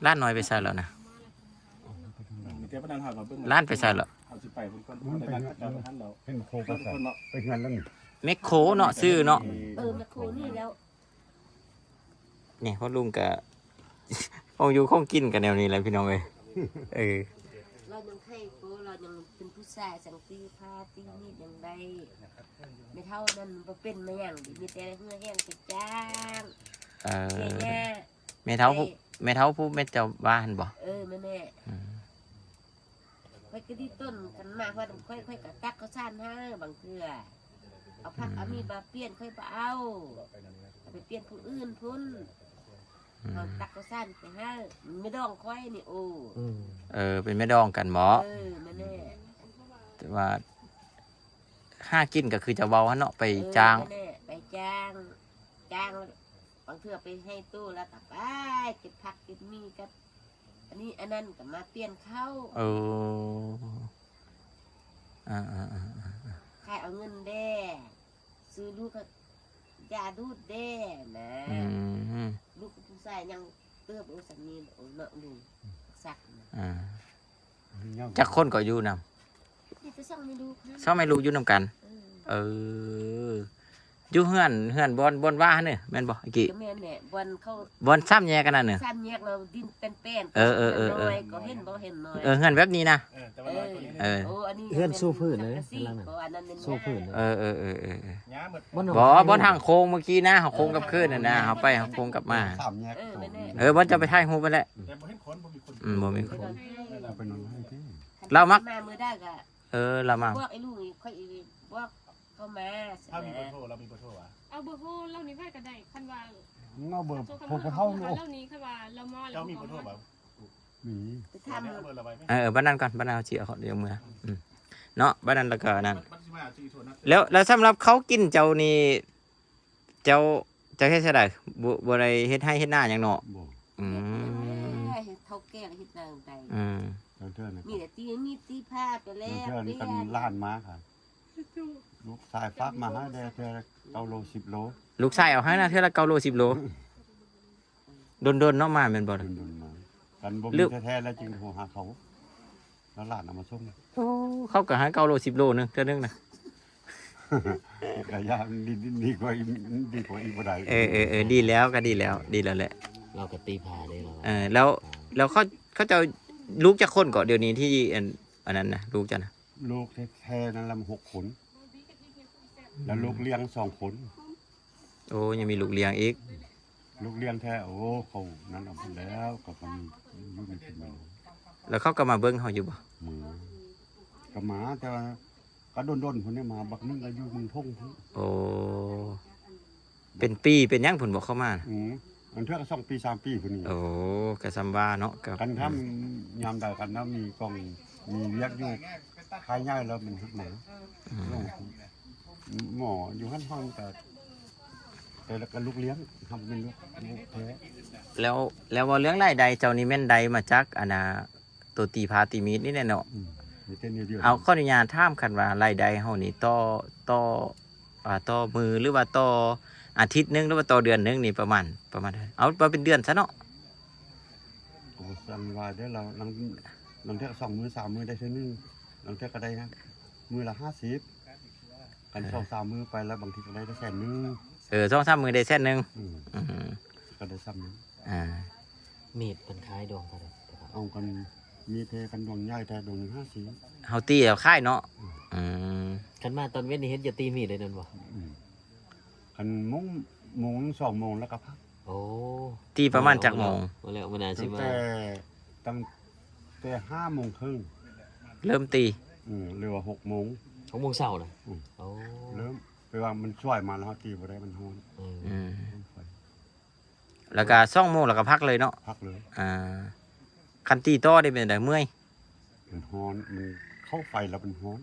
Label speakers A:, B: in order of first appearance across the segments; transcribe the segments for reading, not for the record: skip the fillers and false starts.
A: ล้านน้อยไปใส่แล้วนะ
B: มีแต่ประธานหามาเบิ่ง
A: ล้านไปใส่แล้ว
B: เอาสิไปเพิ่นก่อนบ่ได้นัดกับท่านเรา
C: เป็นโคกระสับไปเงินแล้วนี่
A: เมคโครเนาะซื้อเนาะ
D: แมคโครนี่แล้ว
A: นี่พ่อลุงกะ คงอยู่คงกินกันแนวนี้แหละพี่น้องเอ้ยเออ
D: เรายังให้โกเรายังเป็นผู้ชายสังตีผ้าตีนี่ยังได้ไม่เท่านั้นบ่เป็นมาอย่างดีมีแต่เหื่อแห้งไปจ้าง
A: เออ
D: แม่
A: แม่เท้าผู้แม่เจ้าบ้านบ่
D: แม่ค่อยก็ดีต้นกันมาว่าค่อยกะตักเขาซ่านให้บางเทื่อเอาผักเอามีบาเปลี่ยนค่อยบ่เอาไปเปลี่ยนผู้อื่นพุ่นเอาตักเขาซ่านไปให้ไม่ต้องค่อยนี่โอ้
A: เป็นแม่ดองกันหมอ
D: แม่แน่
A: แต่ว่าห้ากินก็คือจะเว้าฮะเนาะไปจ้าง
D: ไปจ้างบางเทื่อไปให้ตู้แล้วก็ไปเก็บผักเก็บมีกับอันนี้อันนั้นก็มาเปลี่ยนเข้าใครเอาเงินแด่ซื้อลูกก็ยาดูดแด่นะลูกผู้ชายยังเติบโตสักนิดโอ้เนาะลุงสัก
A: จักคนก็อยู่นำ
D: นี่จะส่งไม่ดูค่ะ
A: ชอบไม่รู้อยู่นำกันอยู่เฮือนบอนว่าเนี่ยแม่นบ่อีกี้
D: ก็แม่นแหละวันเขา
A: บอนซ้ำแยกกันนั่นน่ะ
D: ซ้ำแยกเราดินเป็นแป้นน้อยก็เห็นบ่เห็นน้อย
A: เฮือนแบบนี้นะ
B: แต่ว่าน้อยกว่านี้
D: โอ้อันนี้
E: เฮือนสู้พื้นเลย
D: อันนั้นเป็น
E: สู้พื้นเลย
B: ย้าหมด
A: บอนทางโค้งเมื่อกี้นะโค้งกับขึ้นน่ะนะเอาไปโค้งกลับมา
C: สามแยก
A: บอนจะไปถ่ายรูปไปแหละ
B: แต่บ่เห็นคนบ่มีคน
A: บ่มีคน
C: เอาไปนอนให้ที่
A: เรามัก
D: มามือได้ก็
A: เรามา
D: พวกไอ้ลูกนี่ค่อยพวกเข้ามา
B: ถ้ามีเบอร์โทรเรามีเบอร์โทรอ่ะ
F: เอาเบอร์โทรเล่านี้ไปก็ได้คันว่า
C: เงาเบอร์
F: โทร
C: พวกเท่าลูก
F: เล่านี้คันว่าเรามอ
B: เจ้ามีเบอร์โทรบ่
C: มี
D: ไป
B: ทำ
D: ทำ
B: เบอร์เราไว้ไหม
A: บ้านนั้นก่อนบ้านนั้นเอาสิเอาเดี๋ยวมือเนาะบ้านนั้นแล้วก็นั่น
B: มันสิมาชื่อโทรนะ
A: แล้วสำหรับเขากินเจ้านี่เจ้าเฮ็ดไดบ่ได้เฮ็ดให้เฮ็ดหน้าหยังเนาะ
C: บอก
D: เท่าแก่เฮ็ดนางใด
C: เท่านะ
D: มีแต่ตีผ้าไปแล้ว
C: เท่านี้กันล้านม้าค่ะลูกชายฟักมาให้ได้เท่าเอาโล10 โล
A: ลูกชายเอาให้นะเทื่อละ9โล10โลโดนๆเนาะมาแม่นบ่
C: ดุนมากันบ่มีแท้ๆแล้วจึงโทรหาเขาแล้วหลานเอามาส่ง
A: เขาก็ให้9โล10โลนึงเทื่อนึงนะ
C: ก็ยากดีกว่าอีกบ่ได้
A: ดีแล้วก็ดีแล้วแหละ
E: เราก็ตีผาได้เรา
A: แล้วเขาจะลูกจักคนก็เดี๋ยวนี้ที่อันนั้นนะลูกจ้ะนะ
C: ลูกแท้ๆนั้นลำ6 คนแล้วลูกเลี้ยง2 คน
A: โอ้ยังมีลูกเลี้ยงอีก
C: ลูกเลี้ยงแท้โอ้เขานั้นเอาไปแล้วก็คนลูกนี่เป็นมา
A: แล้วเขาก็มาเบิ่งเขาอยู่บ่
C: หมาก็หมาแต่ว่าก็โดนๆคนนี้มาบักนึงก็อยู่เมืองทงพุ่น
A: โอ้เป็นปีเป็นหยังผลบอกเข้ามานะ
C: มันเท่ากับ2 ปี 3 ปีพุ่นนี่
A: โอ้กะซัมบ้าเนาะกับ
C: กันทำยามใดกันแล้วมีกองมีเรียกอยู่ภายง่ายแล้วมันหมาหมออยู่ห้องแต่แล้วก็ลูกเลี้ยงทำเป็นลูกแท้
A: แล้วว่าเรื่องรายใดเจ้านี่แม่นใดมาจักอันน่ะตัวตีพาตีมีดนี่แน่เนาะ
C: มีเต้นเดียว
A: เอาข้ออนุญาตถามคันว่ารายใดเฮานี่ต่อมือหรือว่าต่ออาทิตย์นึงหรือว่าต่อเดือนนึงนี่ประมาณเท่าไหร่เอาเป็นเดือนซะเนาะ
C: โอ้สันว่าเดี๋ยวเราลังเท่า2 มื้อ 3 มื้อได้เท่านึงลังเท่าก็ได้นะมื้อละ50กัน2-3 มื้อไปแล้วบางทีก็ได้แสนนึง
A: 2-3มื้อได้แสนนึง
C: ก็ได้ซ้ำนึง
E: เม็ดเป็นคล้ายดวงเท่าไหร่
C: เอากันมีเทกันดวงใหญ่แต่ดวง50
A: เฮาตีเอาค่ายเนาะ
E: ขันมาตอนเว้นนี่เฮ็ดอย่าตีมีดเลยนั่นบ่
C: กันโมง 2 โมงแล้วก็พัก
E: โอ้
A: ตีประมาณจักโมง
E: มาแล้วมันน่าสิ
C: ตั้งแต่5 โมงครึ่ง
A: เริ่มตี
C: หรือว่า6 โมง
E: 6 โมงเช้าน่ะ โอ้
C: เริ่มไปว่ามันช่วยมาแล้วตีบ่ได้มันฮ้อน
A: แล้วก็2โมงแล้วก็พักเลยเนาะ
C: พักเลย
A: คันตีต่อได้เป็นไดเมื่อย
C: มันฮ้อนมันเข้าไฟแล้วมันฮ้อน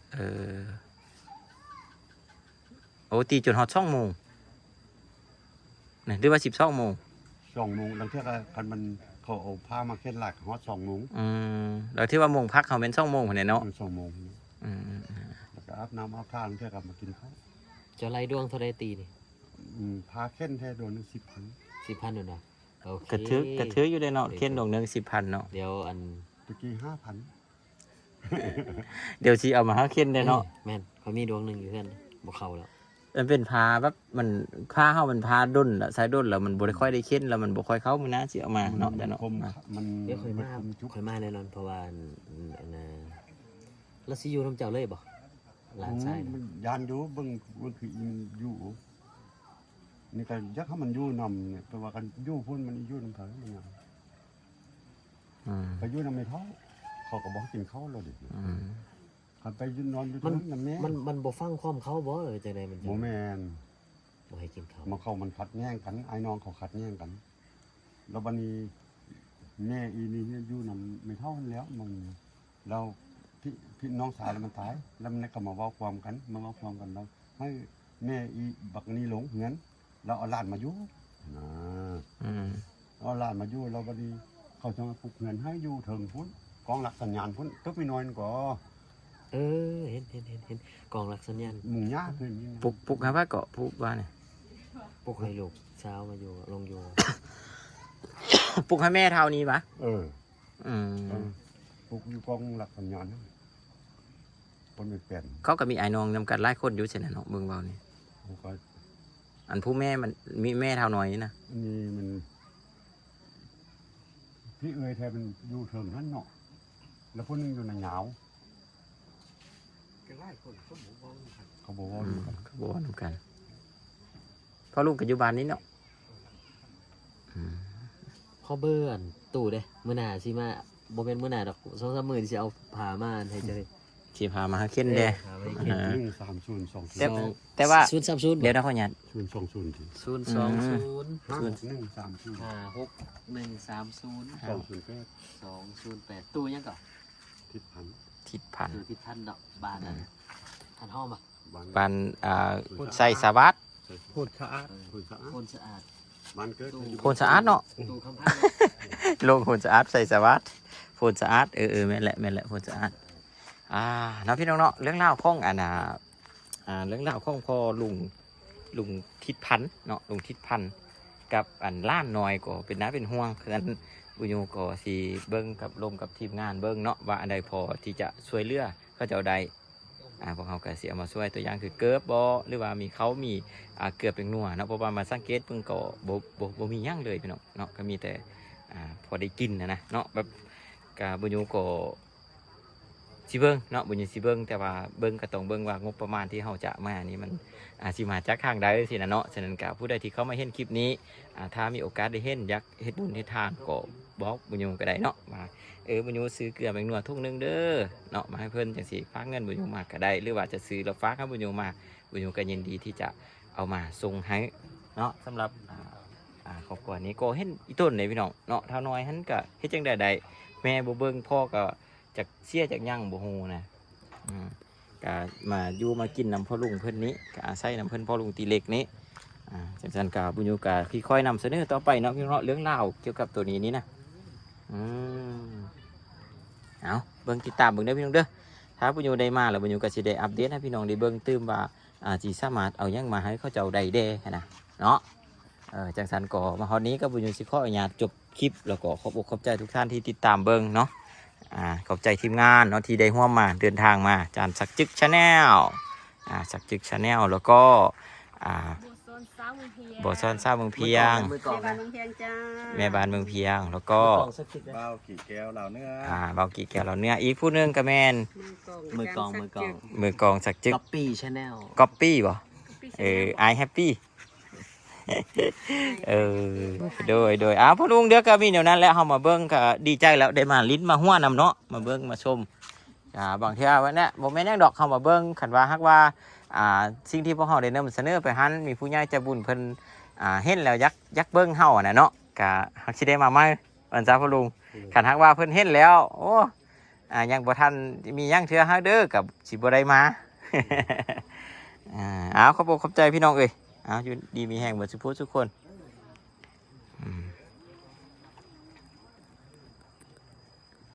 A: โอ้ตีจนฮอด2โมงนี่หรือว่า12โมง
C: 2 โมงแล้วเท่ากันมันเขาเอาผ้ามาเข็นหลักฮอด2 โมง
A: แล้วที่ว่าโมงพักเขาเป็น2โมงพุ่นเนาะ
C: 2 โมงแล้วก็อาบน้ำอาบท่าเท่ากับมากินข้าว
E: เจ้าไรดวงเท่าใดตีนี่
C: ผ้าเข็นแท้โดน10,000
E: 10,000นั่นน่ะโอเค
A: กระถืออยู่ได้เนาะเขียนดอกหนึง10,000เนาะ
E: เดี๋ยวอัน
C: ตะกี้5,000
A: เดี๋ยวสิเอามาหาเขียนได้เนาะ
E: แม่นเขามีดวงหนึงอยู่เพื่อนบ่เข้าแล้ว
A: มันเป็นพาแบบมันผ้าเฮามันพาด้นละสายด้นแล้วมันบ่ได้ค่อยได้เขียนแล้วมันบ่ค่อยเข้ามื้อนะสิเอามาเนาะแต่เนาะ
C: คมมัน
E: เดี๋ยวค่อยมา
C: คมจุก
E: ค่อยมาแน่นอนเพราะว่าอันน่ะแล้วสิอยู่นํเจ้าเลยบ่หลานชาย
C: มั
E: น่ะ
C: นยานอยู่เบิ่งคืออินอยู่นี่ก็ยักให้มันอยู่นำเนี่ยแปลว่ากันอยู่พุ่นมันอยู่นำเขามันหยัง
A: อืม
C: ไปอยู่นำไม่เท่าเขาก็บอกให้กินข้าวแล้วดิ
A: อืม
C: คันไปยืนนอนอยู่ตรงนั้นนำแม่
E: มันบ่ฟังความเขาบ่เออจังได๋มันจะ
C: บ่แม่น
E: บ่ให้กินข้าว
C: มาเข้ามันขัดแย้งกันไอ้น้องเขาขัดแย้งกัน แล้วบัดนี้แม่อีนี่อยู่นำไม่เท่านั้นแล้วมันแล้วพี่น้องสาวมันตายแล้วมันก็มาเว้าความกันแล้วให้แม่อีบักนี้หลงเหือนเราเอาหลานมาอยู่นะ
A: อืม
C: เอาหลานมาอยู่เราบัดนี้เขาจะมาปลุกเงินให้อยู่ถึงพุ่นกองหลักสัญญาณพุ่นตึกไม่น้อยนั่นก็
E: เออเห็นกองหลักสัญญาณ
C: หมุงยากขึ้นนี่นะ
A: ปลุกหาว่าเกาะปลุกว่าเนี่ย
E: พวกให้ลูกเช้ามาอยู่ลงอยู่
A: ปลุกให้แม่เท่านี้ปะ
C: เออ
A: อืม
C: ปลุกอยู่กองหลักสัญญาณนั่นคนไม่เปลี่ยน
A: เขาก็มีไอ้น้องนำกันหลายคนอยู่เช่นนั้นเนาะเบิ่งเบานี่
C: เขาก็
A: อันผู้แม่มันมีแม่เท่าน้อยนี่นะ
C: นี่มันพี่เอ๋ยแทนมันอยู่เถิงนั่นเนาะแล้วคนนึงอยู่ในหนาวเขาบอกว่า
A: อืมก็บ่ว่านํกันเพราะลูกปัจจุบันนี้เนาะอืม
E: พ่อเบิ่นตู่เด้มื้อหน้าสิมาบ่แม่นมื้อหน้าดอก2-3มื้อสิเอาผ้ามาให้เจ้าเลย
A: สิพามาหาเขียนเด้
E: ผ้าไว้เขียน
C: 13020
A: แต่ว่า
E: 030
A: เดี๋ยวนะพ่อหยัด
C: 020ที
E: 020
C: 5130
E: 56 130 208ตู้ยังก่อน
C: ทิศพัน
A: ทิศพัน
E: ตู้ที่ท่านดอกบ้านนั้นท่านห้อมอ่ะ
A: ปันใส่สวัสด
C: พูดสะอาด
E: คนสะอาด
C: มันเกิด
A: โพนสะอาดเนาะ
E: ตู้คำพัน
A: ลงโพนสะอาดใส่สวัสดโพนสะอาดแม่นแหละโพนสะอาดเนาะพี่น้องเนาะเรื่องเล่าวของเรื่องเล่าวของพ่อลุงทิศพันธุ์เนาะลุงทิศพันธุ์กับล้านน้อยก็เป็นน้าเป็นห่วงคืออันบุญโยก็สิเบิ้งกับลมกับทีมงานเบิ้งเนาะว่าอันใดพอที่จะช่วยเหลือเขาจะเอาใดพวกเขาก็สิเอามาช่วยตัวอย่างคือเกิบบ่หรือว่ามีเกือบเป็นนัวเนาะเพราะว่ามาสังเกตเพิ่งก็บ่มีหยังเลยพี่น้องเนาะก็มีแต่พอได้กินนะเนาะแบบกะบุญโยก็สิเบิ้งเนาะบุญโยสิเบิ้งแต่ว่าเบิ้งก็ต้องเบิ้งว่างบประมาณที่เฮาจะมานี่มันสิมาจากทางใดสินะเนาะฉะนั้นก็ผู้ใดที่เข้ามาเห็นคลิปนี้ถ้ามีโอกาสได้เห็นอยากเฮ็ดบุญเฮ็ดทานก็บอกบุญโยก็ได้เนาะว่าบุญโยซื้อเกลือแมงนัวถุงนึงเด้อเนาะมาให้เพิ่นจังสิฝากเงินบุญโยมาก็ได้หรือว่าจะซื้อแล้วฝากให้บุญโยมาบุญโยก็ยินดีที่จะเอามาส่งให้เนาะสำหรับครอบครัวนี้ก็เห็นอีต้นเลยพี่น้องเนาะเท่าน้อยหันก็เฮ็ดจังใดแม่บ่เบิ่งพ่อก็จักเสียจักยั่งบ่ฮู้นะก็มาอยู่มากินน้ำพ่อลุงเพิ่นนี้ก็อาศัยน้ำเพิ่นพ่อลุงตีเล็กนี้จังซั่นก็บุญโยก็ค่อยๆนำเสนอต่อไปเนาะพี่น้องเรื่องราวเกี่ยวกับตัวนี้นี่นะเอาเบิ่งติดตามเบิ่งเด้อพี่น้องเด้อถ้าบุญโยได้มาแล้วบุญโยก็สิได้อัปเดตให้พี่น้องได้เบิ่งตื่มว่าสิสามารถเอาหยังมาให้เขาเจ้าได้แด่นะเนาะจังซั่นก็มาฮอดนี้ก็บุญโยสิขออนุญาตจบคลิปแล้วก็ขอบใจทุกท่านที่ติดตามเบิ่งเนาะขอบใจทีมงานเนาะที่ได้ร่วมมาเดินทางมาจานสักจึกชาแนลสักจึกชาแนลแล้วก็บ่ซ่อนซ่าเมืองเพียง
E: มือกล่อง
G: บ้านเมืองเพียงจ้า
A: แม่บ้านเมืองเพียงแล้วก็
E: กล่องสักที
B: เบ้ากี่แก้วเหล่าเนื้อ
A: เบากี่แก้วเราเนื้ออีกผู้หนึงก็แม่น
E: มือกล่อง
A: มือกองสักจึก
E: ก๊อปปี้ชาแนล
A: ก๊อปปี้บ่I happy โดยพ่อลุงเดี๋ยวก็มีเดี๋ยวนั้นแล้วเฮามาเบิ่งก็ดีใจแล้วได้มาลิ้นมาหัวนำเนาะมาเบิ่งมาชมบางเทื่อวันนี้บ่แม่นหยังดอกเฮามาเบิ่งคันว่าฮักว่าสิ่งที่พวกเฮาได้นำเสนอไปหันมีผู้ใหญ่ใจบุญเพิ่นเห็นแล้วยักเบิ่งเฮาน่ะเนาะก็ฮักสิได้มาใหม่วันจ้าพ่อลุงคันฮักว่าเพิ่นเห็นแล้วโอ้ยังบ่ทันมีหยังเทื่อฮักเด้อกับสิบ่ได้มาขอบใจพี่น้องเอ้ยอยู่ดีมีแห่งหมดทุกคน